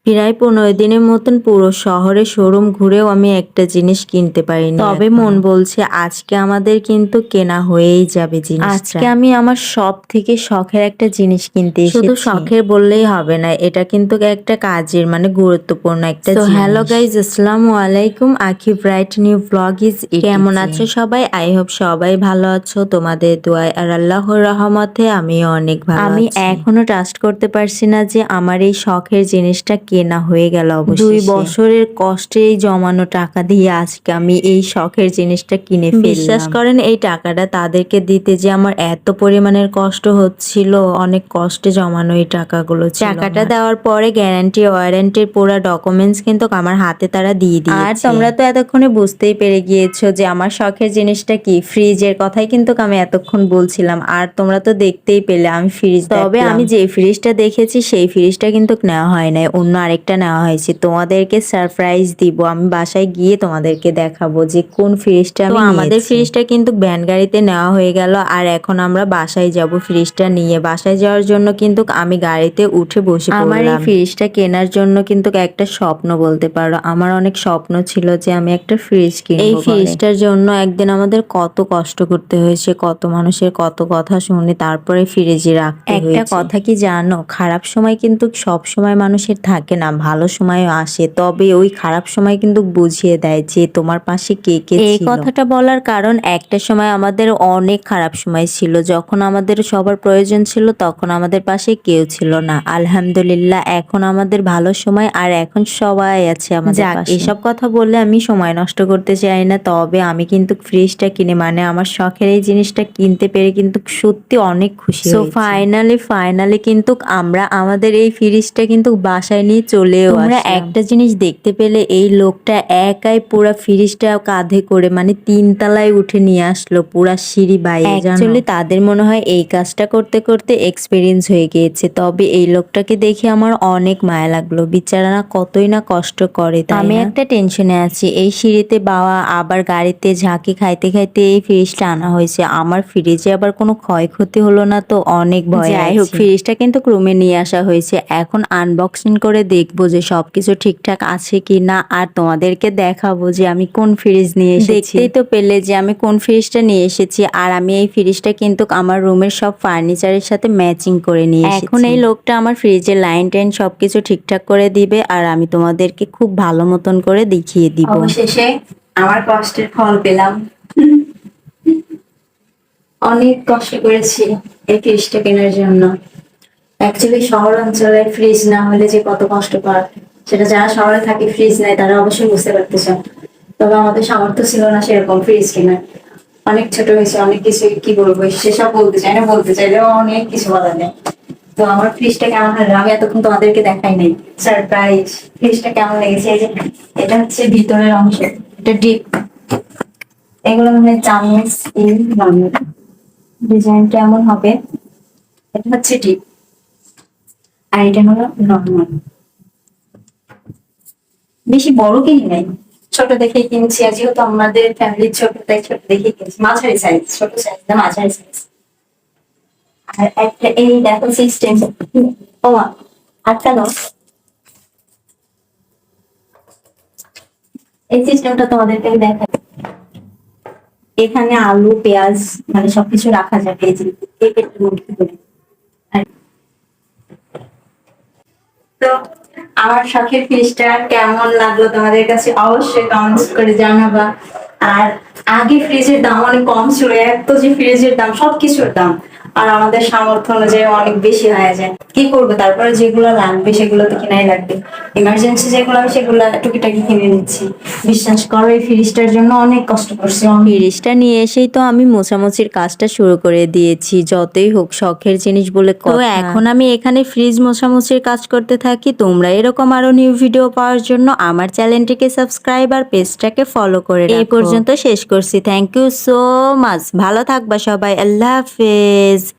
প্রায় 15 দিনের মতন পুরো শহরে শোরুম ঘুরেও আমি একটা জিনিস কিনতে পারিনি। তবে মন বলছে আজকে আমাদের কিন্তু কেনা হয়েই যাবে জিনিসটা। আজকে আমি আমার সব থেকে শখের একটা জিনিস কিনতে এসেছি। শুধু শখের বললেই হবে না, এটা কিন্তু একটা কাজের মানে গুরুত্বপূর্ণ একটা জিনিস। হ্যালো গাইজ, আসসালামু আলাইকুম। আখি ব্রাইট নিউ ব্লগ ইজ। কেমন আছো সবাই? আই হোপ সবাই ভালো আছো। তোমাদের দোয়ায় আর আল্লাহর রহমতে আমিও অনেক ভালো আছি। আমি এখনো ট্রাস্ট করতে পারছি না যে আমার এই শখের জিনিসটা কেনা হয়ে গেল। অবশ্যই 2 বছরের কষ্টেই জমানো টাকা দিয়ে আজকে আমি এই শখের জিনিসটা কিনে ফেললাম। বিশ্বাস করেন এই টাকাটা তাদেরকে দিতে যে আমার এত পরিমাণের কষ্ট হচ্ছিল, অনেক কষ্টে জমানো এই টাকাগুলো ছিল। টাকাটা দেওয়ার পরে গ্যারান্টি ওয়ারেন্টির পুরো ডকুমেন্টস কিন্তু আমার হাতে তারা দিয়ে দিয়েছে। আর তোমরা তো এতক্ষণে বুঝতেই পেরে গিয়েছো যে আমার শখের জিনিসটা কি। ফ্রিজের কথাই কিন্তু আমি এতক্ষণ বলছিলাম, আর তোমরা তো দেখতেই পেলে আমি ফ্রিজ। তবে আমি যে ফ্রিজটা দেখেছি সেই ফ্রিজটা কিন্তু নেওয়া হয় নাই, অন্য আরেকটা নেওয়া হয়েছে। তোমাদেরকে সারপ্রাইজ দিব, আমি বাসায় গিয়ে তোমাদেরকে দেখাবো যে কোন ফ্রিজটা আমি নিয়েছি। আমাদের ফ্রিজটা কিন্তু ভ্যান গাড়িতে নেওয়া হয়ে গেল, আর এখন আমরা বাসায় যাব ফ্রিজটা নিয়ে। বাসায় যাওয়ার জন্য কিন্তু আমি গাড়িতে উঠে বসে পড়লাম। আমার এই ফ্রিজটা কেনার জন্য কিন্তু একটা স্বপ্ন বলতে পারো। আমার অনেক স্বপ্ন ছিল যে আমি একটা ফ্রিজ কিনবো। এই ফ্রিজটার জন্য একদিন আমাদের কত কষ্ট করতে হয়েছে, কত মানুষের কত কথা শুনে তারপরে ফ্রিজে রাখতে হয়েছে। একটা কথা কি জানো, খারাপ সময় কিন্তু সব সময় মানুষের থাকে না, ভালো সময়ও আসে। তবে ওই খারাপ সময় কিন্তু বুঝিয়ে দেয় যে তোমার পাশে কে কে ছিল। এই কথাটা বলার কারণ একটা সময় আমাদের অনেক খারাপ সময় ছিল, যখন আমাদের সবার প্রয়োজন ছিল তখন আমাদের পাশে কেউ ছিল না। আলহামদুলিল্লাহ এখন আমাদের ভালো সময়, আর এখন সবাই আছে আমাদের পাশে। এসব কথা বললে আমি সময় নষ্ট করতে চাই না। তবে আমি কিন্তু ফ্রিজটা কিনে মানে আমার শখের এই জিনিসটা কিনতে পেরে কিন্তু সত্যি অনেক খুশি হয়েছি। ফাইনালি কিন্তু আমরা আমাদের এই ফ্রিজটা কিন্তু বাসায় নিয়ে চলেও আসলাম। তোমরা একটা জিনিস দেখতে পেলে, এই লোকটা একাই পুরো ফ্রিজটা কাঁধে করে মানে 3 তলায় উঠে নিয়ে আসলো পুরা সিঁড়ি বাইরে। অ্যাকচুয়ালি তাদের মনে হয় এই কাজটা করতে করতে এক্সপিরিয়েন্স হয়ে গিয়েছে। তবে এই লোকটাকে দেখে আমার অনেক মায়া লাগলো, বিচারা না কতই না কষ্ট করে। আমি একটা টেনশনে আছি, এই সিঁড়িতে বাওয়া আবার গাড়িতে ঝাঁকি খাইতে খাইতে এই ফ্রিজটা আনা হয়েছে। আমার ফ্রিজে আবার কোনো ক্ষয়ক্ষতি হলো না তো অনেক ভয়। যাই হোক, ফ্রিজটা কিন্তু রুমে নিয়ে আসা হয়েছে। এখন আনবক্সিং করে দেখবো যে সবকিছু ঠিকঠাক আছে কি না, আর তোমাদেরকে দেখাবো যে আমি কোন ফ্রিজ নিয়ে এসেছি। দেখতেই তো পেলে যে আমি কোন ফ্রিজটা নিয়ে এসেছি। আর আমি এই ফ্রিজটা কিন্তু আমার রুমের সব ফার্নিচারের সাথে ম্যাচিং করে নিয়ে এসেছি। এখন এই লোকটা আমার ফ্রিজের লাইন টাইন সবকিছু ঠিকঠাক করে দিবে, আর আমি তোমাদেরকে খুব ভালো মতন করে দেখিয়ে দিব। অবশেষে আমার কষ্টের ফল পেলাম। অনেক কষ্ট করেছি এই ফ্রিজটা কেনার জন্য। অ্যাকচুয়ালি শহর অঞ্চলে ফ্রিজ না হলে যে কত কষ্ট পায় সেটা যারা শহরে থাকে ফ্রিজ নেয় তারা অবশ্যই বুঝতে পারতেছে। তবে আমাদের সামর্থ্য ছিল না সেরকম ফ্রিজ কেনার। অনেক ছোট হয়েছে, অনেক কিছু কি বলবো সেসব বলতে চাই না, বলতে চাইলেও অনেক কিছু বলা নেই। তো আমার ফ্রিজটা কেমন হলো আমি এতক্ষণ তোমাদেরকে দেখাই নাই। সারপ্রাইজ ফ্রিজটা কেমন লেগেছে। এই যে এটা হচ্ছে ভিতরের অংশ, এটা ডিপ। এগুলো মানে চামচ ডিজাইনটা এমন হবে। এটা হচ্ছে ডিপ আর এটা হলো নর্মাল। বেশি বড় কিনি নাই, ছোট দেখে কিনছি। আর যেহেতু আমাদের ফ্যামিলির ছোট, তাই ছোট দেখে কিনছি। মাঝারি সাইজ, ছোট সাইজ না মাঝারি সাইজ। আর একটা এই দেখো সিস্টেম। ও আটকানো এই সিস্টেমটা তোমাদেরকে দেখাই। এখানে আলু পেঁয়াজ মানে সবকিছু রাখা যাবে এই যে পেটের মধ্যে করে। তো আমার শখের ফ্রিজটা কেমন লাগলো তোমাদের কাছে অবশ্যই কমেন্টস করে জানাবা। আর আগে ফ্রিজের দাম অনেক কম ছিল, এত যে ফ্রিজের দাম সবকিছুর দাম আর আমাদের সামর্থ্য অনুযায়ী অনেক বেশি হয়ে যায়। কি করবো, তারপরে যেগুলো লাগবে সেগুলো তো কেনাই লাগবে। ইমার্জেন্সি যেগুলো আমি সেগুলো টুকিটাকি কিনে নিচ্ছি। বিশ্বাস করো এই ফ্রিজটার জন্য অনেক কষ্ট করছি। ফ্রিজটা নিয়ে এসেই তো আমি মোছামুছির কাজটা শুরু করে দিয়েছি। যতই হোক শখের জিনিস বলে কথা। তো এখন আমি এখানে ফ্রিজ মোছামুছির কাজ করতে থাকি। তোমরা এরকম আরো নিউ ভিডিও পাওয়ার জন্য আমার চ্যানেলটিকে সাবস্ক্রাইব আর পেজটাকে ফলো করে রাখো। এই পর্যন্ত শেষ করছি। Thank you so much. ভালো থাকবা সবাই। আল্লাহ হাফেজ।